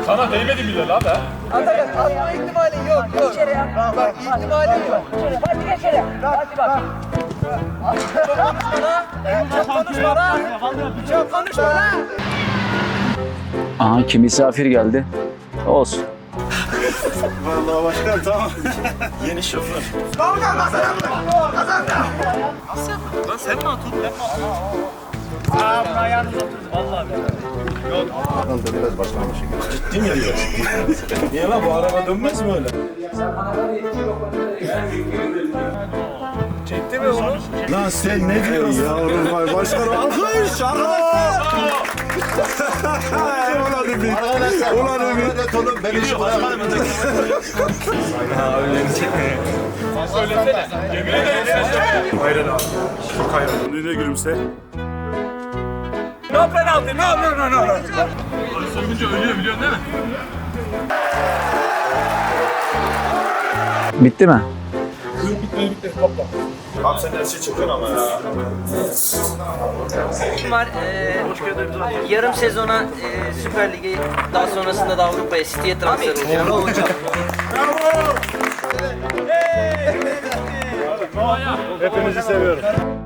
Sana değmedi bile la be. Atakan atma ihtimali yok. Bak ihtimali yok. Hadi geç içeri. Hadi bak. Çok konuşma lan. Çok konuşma lan. Aha, kim misafir geldi. Olsun. Vallahi başkan tamam. Yeni şoför. Lan sen mi atın? Ben mi atın? Aa, bunu ayağınıza oturdu. Vallahi billahi. Adam da biraz başlamış. Ciddi mi diyor? Niye lan bu araba dönmez mi öyle? Çekti mi onu? Lan sen ne diyorsun? Yavrum vay başkan alkış arkadaşlar. Ulan Ümit. Ulan Ümit. Oğlum ben işi bırakalım. Söylesene. Yemin ederim sen. Hayran abi. Çok hayran. Önüne gülümse. No penaltı, no. Soyguncu ölüyor biliyorsun değil mi? Bitti mi? Bitti. Topla. Abi sen her şeyi çekiyorsun ama ya. Var. Yarım sezona Süper Lig'e, daha sonrasında da Avrupa'ya, City'ye transfer olacağım. Hepinizi seviyorum.